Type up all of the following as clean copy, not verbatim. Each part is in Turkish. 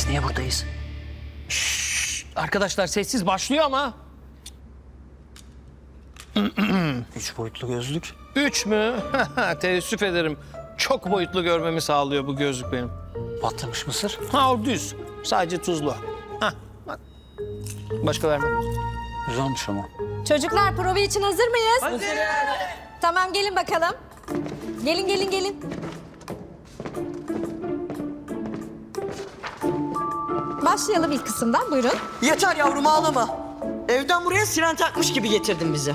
Niye buradayız? Arkadaşlar sessiz başlıyor ama. 3 boyutlu gözlük. 3 mü? Teessüf ederim. Çok boyutlu görmemi sağlıyor bu gözlük benim. Batırmış mısır. Ha o düz. Sadece tuzlu. Hah bak. Başka vermem. Güzelmiş ama. Çocuklar prova için hazır mıyız? Hazır. Tamam gelin bakalım. Gelin. Başlayalım ilk kısımdan buyurun. Yeter yavrum ağlama. Evden buraya siren takmış gibi getirdin bizi.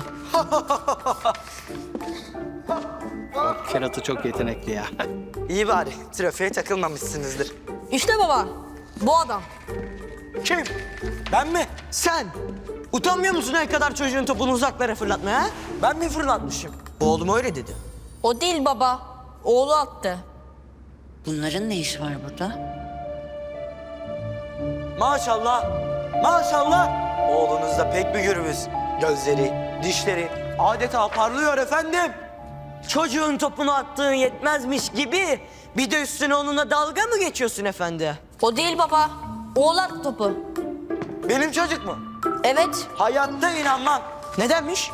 Keratı çok yetenekli ya. İyi bari trafiğe takılmamışsınızdır. İşte baba bu adam. Kim? Ben mi? Sen. Utanmıyor musun ne kadar çocuğun topunu uzaklara fırlatmaya? Ha? Ben mi fırlatmışım? Oğlum öyle dedi. O değil baba. Oğlu attı. Bunların ne işi var burada? Maşallah. Maşallah. Oğlunuz da pek bir gürbüz. Gözleri, dişleri adeta parlıyor efendim. Çocuğun topunu attığın yetmezmiş gibi bir de üstüne onunla dalga mı geçiyorsun efendi? O değil baba. Oğlu attı topu. Benim çocuk mu? Evet. Hayatta inanmam. Nedenmiş?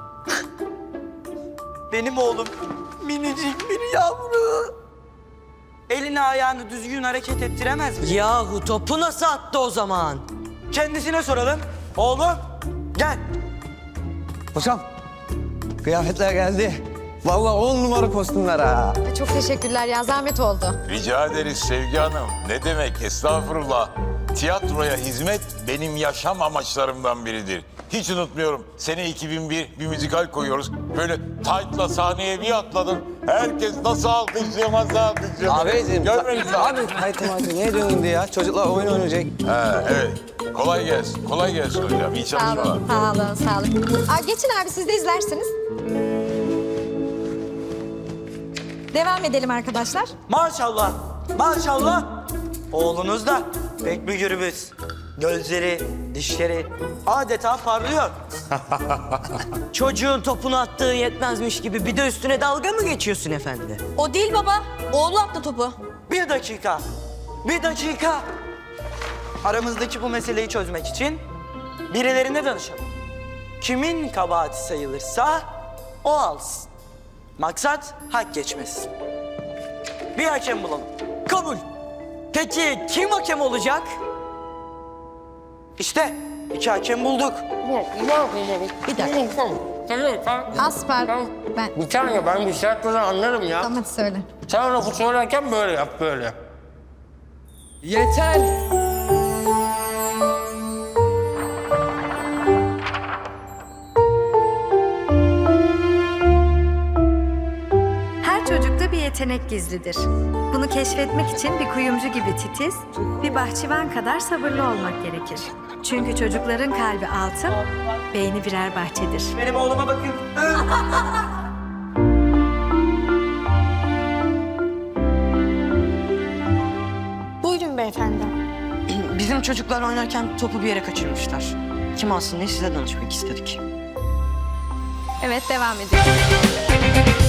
Benim oğlum minicik bir yavru. Elini ayağını düzgün hareket ettiremez mi? Yahu topu nasıl attı o zaman? Kendisine soralım. Oğlum gel. Hocam, kıyafetler geldi. Vallahi 10 numara kostümler ha. Çok teşekkürler ya zahmet oldu. Rica ederiz Sevgi Hanım. Ne demek estağfurullah. Tiyatroya hizmet benim yaşam amaçlarımdan biridir. Hiç unutmuyorum. Sene 2001 bir müzikal koyuyoruz. Böyle tight'la sahneye bir atladım. Herkes nasıl alkışlıyor, nasıl alkışlıyor. Abiciğim, Görmemiş misin? abi hayatım abi niye diyorsun ya? Çocuklar oyun oynayacak. Ha, evet. Kolay gelsin. Kolay gelsin hocam. İyi Sağ çalışmalar. olun, sağ olun. Geçin abi siz de izlersiniz. Devam edelim arkadaşlar. Maşallah. Maşallah. Oğlunuz da pek bir gürbüz. Gözleri, dişleri adeta parlıyor. Çocuğun topunu attığı yetmezmiş gibi bir de üstüne dalga mı geçiyorsun efendi? O değil baba. Oğlu attı topu. Bir dakika. Bir dakika. Aramızdaki bu meseleyi çözmek için birilerine danışalım. Kimin kabahati sayılırsa o alsın. Maksat hak geçmesin. Bir hakem bulalım. Kabul. Peki kim hakem olacak? İşte 2 hakem bulduk. Bir dakika. Asper. Ben. Bir tane ben bir şarkıdan anlarım ya. Tamam hadi söyle. Sen lafı söylerken böyle yap böyle. Yeter. Her çocukta bir yetenek gizlidir. Bunu keşfetmek için bir kuyumcu gibi titiz, bir bahçıvan kadar sabırlı olmak gerekir. Çünkü çocukların kalbi altın, beyni birer bahçedir. Benim oğluma bakın. Buyurun beyefendi. Bizim çocuklar oynarken topu bir yere kaçırmışlar. Kim alsın diye size danışmak istedik. Evet devam ediyoruz.